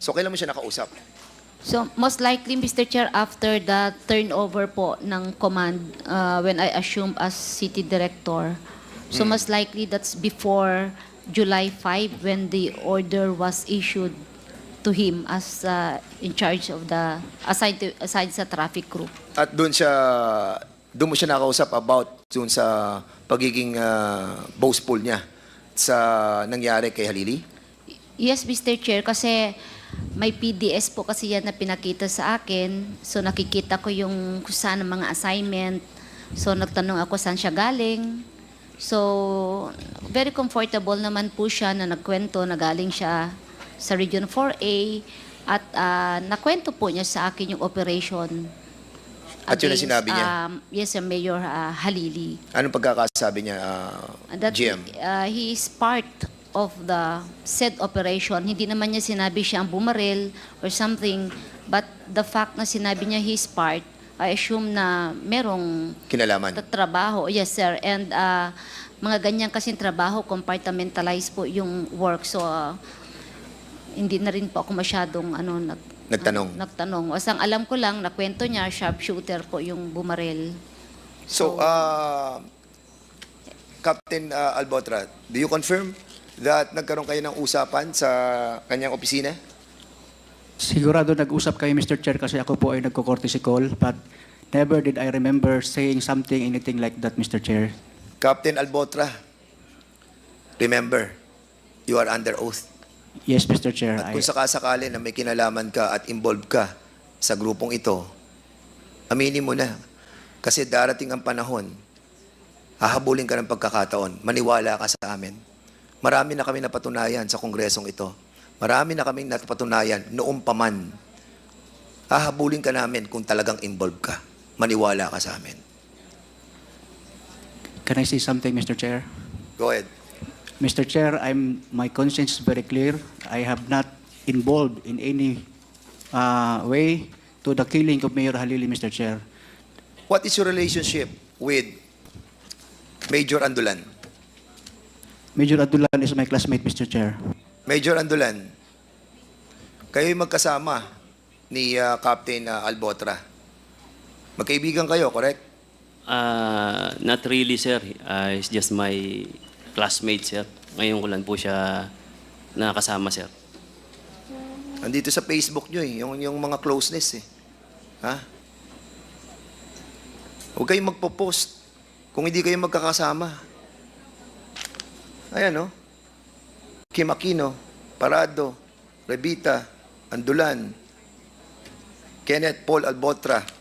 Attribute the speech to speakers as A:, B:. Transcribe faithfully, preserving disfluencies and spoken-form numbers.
A: So, kailan mo siya nakausap?
B: So, most likely, Mister Chair, after the turnover po ng command, uh, when I assumed as city director, so most likely that's before July fifth when the order was issued to him as uh, in charge of the, assigned, to, assigned sa traffic group.
A: At doon siya, doon mo siya nakausap about doon sa pagiging uh, boastful niya sa nangyari kay Halili?
B: Yes, Mister Chair, kasi may P D S po kasi yan na pinakita sa akin. So nakikita ko yung kung saan ang mga assignment. So nagtanong ako saan siya galing. So very comfortable naman po siya na nagkwento na galing siya sa Region four A at uh, nakwento po niya sa akin yung operation.
A: At yun ang
B: against,
A: sinabi niya?
B: Um, yes, uh, Mayor uh, Halili.
A: Anong pagkakasabi niya, uh,
B: That
A: G M?
B: uh, he is part of the said operation. Hindi naman niya sinabi siya ang bumaril or something, but the fact na sinabi niya he is part, I assume na merong
A: Kinalaman?
B: trabaho. Yes, sir. And uh, mga ganyan kasing trabaho, compartmentalize po yung work. So, uh, hindi na rin po ako masyadong ano, nag,
A: Nagtanong?
B: uh, nagtanong. Asang alam ko lang, nakwento niya, sharpshooter po yung bumaril.
A: So, uh, Captain uh, Albotra, do you confirm that nagkaroon kayo ng usapan sa kanyang opisina?
C: Sigurado nag-usap kayo, Mister Chair, kasi ako po ay nagko-courtesy call, but never did I remember saying something, anything like that, Mister Chair.
A: Captain Albotra, remember, you are under oath.
C: Yes, Mister Chair.
A: At kung
C: I,
A: sakasakali na may kinalaman ka at involved ka sa grupong ito, aminin mo na. Kasi darating ang panahon, hahabulin ka ng pagkakataon, maniwala ka sa amin. Marami na kami napatunayan sa kongresong ito. Marami na kami napatunayan noong paman. Hahabulin ka namin kung talagang involved ka. Maniwala ka sa amin.
C: can I say something, Mister Chair?
A: Go ahead.
C: Mister Chair, I'm, my conscience is very clear. I have not involved in any uh, way to the killing of Mayor Halili, Mister Chair.
A: What is your relationship with Major Andulan?
C: Major Adulan is my classmate, Mister Chair.
A: Major Andulan, kayo'y magkasama ni uh, Captain uh, Albotra. Magkaibigan kayo, correct?
D: Uh, not really, sir. Uh, he's just my classmate, sir. Ngayon ko lang po siya nakasama, sir.
A: Andito sa Facebook nyo eh, yung, yung mga closeness eh. Ha? Huwag kayong magpo-post kung hindi kayo magkakasama. Ayan, no? Kim Aquino, Parado, Revita, Andulan, Kenneth Paul Albotra,